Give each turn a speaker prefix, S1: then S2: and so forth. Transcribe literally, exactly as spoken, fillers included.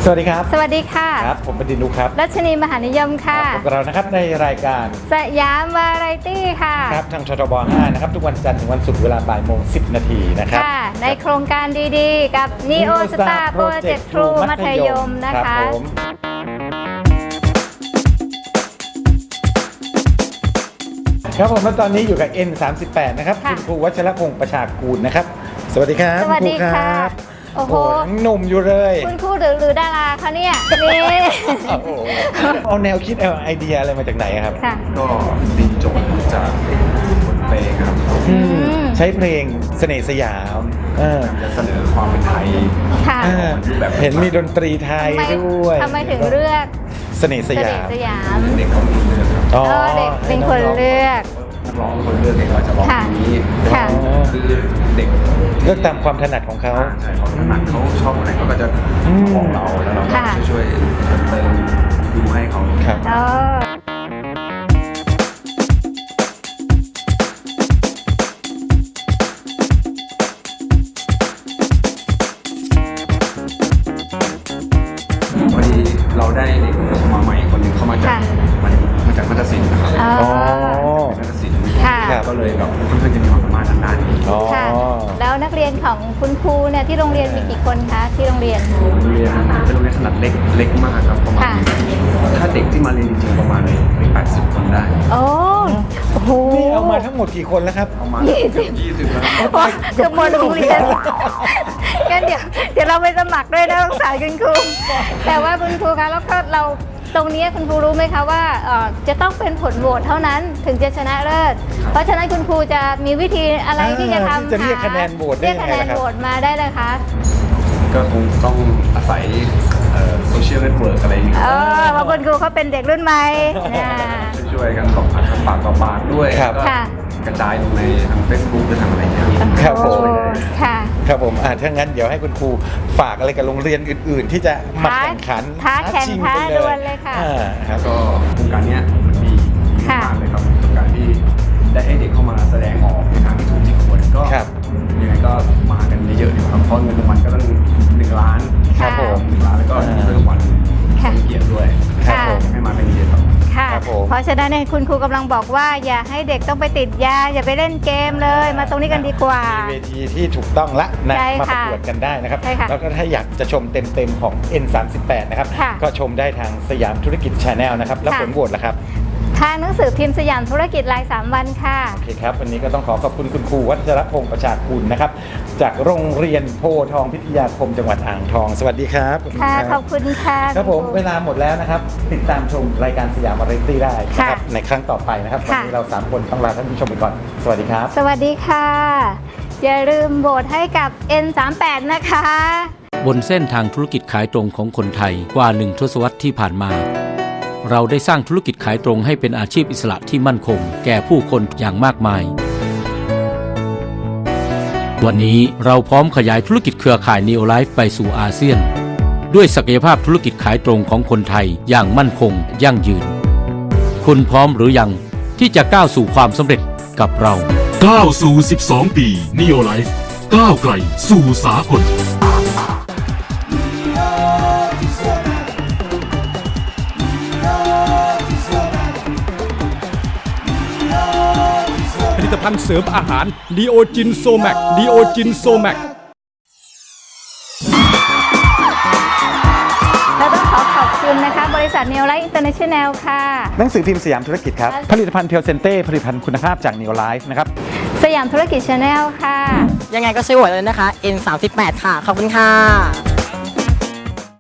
S1: สวัสดีครับ
S2: สวัสดีค่ะ
S1: ครับผมเป็นดินุครับ
S2: รัชนีมหานิยมค่ะ
S1: พบกับเรานะครับในรายการ
S2: สยามวาไรตี้ค่ะ
S1: ครับทางชทบห้านะครับทุกวันจันทร์ถึงวันศุกร์เวลาบ่ายโมงสิบนาทีนะครับ
S2: ค่ะในโครงการดีๆกับ Neo Star Project True มัธยมนะคะ
S1: ครับผมแล้วตอนนี้อยู่กับ เอ็น สามสิบแปด นะครับคุณครูวัชรพงศ์ประชากูลนะครับสวัสดีครับ
S2: สวัสดีค่ะ
S1: โอ้โหหนุ่มอยู่เลย
S2: คุณครูหรือหรือดาราคะเนี่ยนี่
S1: เอาแนวคิดเอาไอเดียอะไรมาจากไหนครับ
S3: ก็ตีโจทย์จากบทเพลงครับ
S1: ใช้เพลงเสน่ห์สยาม
S3: จะเสนอความเป็นไทย
S1: แบบเห็นมีดนตรีไทยด้วย
S2: ทำไมถึงเลือก
S1: เสน่ห์สยาม
S3: เด็กคนเลือก
S2: ครับเด็กเป็นคนเลือก
S3: ร้องคนเลือกเองว่าจะร้องนี้คือเด็ก
S1: เลือกตามความถนัดของเขา
S3: ใช่เขาถนัดเขาชอบอะไรเขาก็จะบอกเราแล้วเราก็ช่วยเติมดูให้เขา
S1: ครับ
S3: พอดีเราได้เด็กมาใหม่คนหนึ่งเข้ามาจากมาจากมัธยศิลป์นะครับมัธยศิลป์ก็เลยแบบเพื่อนๆจะมีความสามารถทางด้านนี้
S2: ค่ะแล้วนักเรียนของคุณครูเนี่ยที่โรงเรียนมีกี่คนคะที่โรงเรียน
S3: โรงเรียนเป็นโรงเรียนขนาดเล็กเล็กมากครับประมาณถ้าเด็กที่มาเรียนจริงๆประมาณแปดสิบคนได้
S2: โอ้โห
S1: นี่เอามาทั้งหมดกี่คนแล้วครับ
S3: ประมาณยี่สิบยี่สิบแล้ว
S2: เกือบหมดโรงเรียนงั้นเดี๋ยวเดี๋ยวเราไปสมัครด้วยนะสงสารคุณครูแต่ว่าคุณครูคะแล้วก็เราตรงนี้คุณครูรู้ไหมคะว่าจะต้องเป็นผลโหวตเท่านั้นถึงจะชนะเลิศเพราะฉะนั้นคุณครูจะมีวิธีอะไรที่จะทำ
S1: จะเรียกคะแนนโหวตได้ยังไงครับเรียกคะแนนโหวต
S2: มาได้เลยคะ
S3: ก็คงต้องอาศัยโซเชียลเน็ตเวิร์กอะไรอย่างเงี้ย
S2: เออเพราะคุณครูเขาเป็นเด็กรุ่นใหม่
S3: ช่วยกันบอกปากต่อปากด้วยก็กระจายลงในทาง Facebook หรือทางอะไรเงี้ย
S1: ครับผม
S2: ค่ะ
S1: ครับผมอ่าถ้างั้นเดี๋ยวให้คุณครูฝากอะไรกับโรงเรียนอื่นๆที่จะมาแข่งขัน
S2: ท้าแข่งท้าดวลเลยค่ะ
S3: ครับก็โครงการนี้มันดีมากเลยครับโครงการที่ได้ให้เด็กเข้ามาแสดงออกในทางที่ถูกที่ควรก็ยังไงก็มากันเยอะๆดีครับเพราะเงินรางวัลก็ต้องหนึ่งล้าน
S1: ครับผม
S3: หนึ่งล้านแล้วก็เงินรางวัลเป็นเกียรติด้วยให้มาเป็นเกียรติครับ
S2: ค่ะเพราะฉะนั้นเนี่ยคุณครูกำลังบอกว่าอย่าให้เด็กต้องไปติดยาอย่าไปเล่นเกมเลยมาตรงนี้กันดีกว่า
S1: มีเวทีที่ถูกต้องละนะมาประกวดกันได้นะครับแล้วก็ถ้าอยากจะชมเต็มๆของ เอ็น สามสิบแปด นะครับก็ชมได้ทางสยามธุรกิจ Channel นะครับแล้วผลโหวตล่ะครับ
S2: ทางหนังสือพิมพ์สยามธุรกิจรายสามวันค่ะ
S1: โอเคครับวันนี้ก็ต้องขอขอบคุณคุณครูวัชรพงศ์ประชากูลนะครับจากโรงเรียนโพทองพิทยาคมจังหวัดอ่างทองสวัสดีครับ
S2: ค่ะขอบคุณค่ะ
S1: ครับผมเวลาหมดแล้วนะครับติดตามชมรายการสยามวาไรตี้ได้นะครับในครั้งต่อไปนะครับวันนี้เราสามคนต้องลาท่านผู้ชมไปก่อนสวัสดีครับ
S2: สวัสดีค่ะอย่าลืมโหวตให้กับ เอ็น สามสิบแปด นะคะ
S4: บนเส้นทางธุรกิจขายตรงของคนไทยกว่าหนึ่งทศวรรษที่ผ่านมาเราได้สร้างธุรกิจขายตรงให้เป็นอาชีพอิสระที่มั่นคงแก่ผู้คนอย่างมากมายวันนี้เราพร้อมขยายธุรกิจเครือข่าย Neo Life ไปสู่อาเซียนด้วยศักยภาพธุรกิจขายตรงของคนไทยอย่างมั่นคงยั่งยืนคุณพร้อมหรือยังที่จะก้าวสู่ความสำเร็จกับเรา
S5: ก้าวสู่สิบสองปี Neo Life ก้าวไกลสู่สากล
S6: ผลิตภัณฑ์เสริมอาหารดีโอจินโซแมกดีโอจินโซแมก
S2: เราต้องขอขอบคุณนะคะบริษัท Neo Life International ค่ะ
S1: หนังสือพิมพ์สยามธุรกิจครับผลิตภัณฑ์เพียวเซนเต้ผลิตภัณฑ์คุณภาพจาก Neo Life นะครับ
S2: สยามธุรกิจ Channel ค่ะ
S7: ยังไงก็ช่วยโหวตเลยนะคะ เอ็น สามสิบแปด ค่ะขอบคุณค่ะ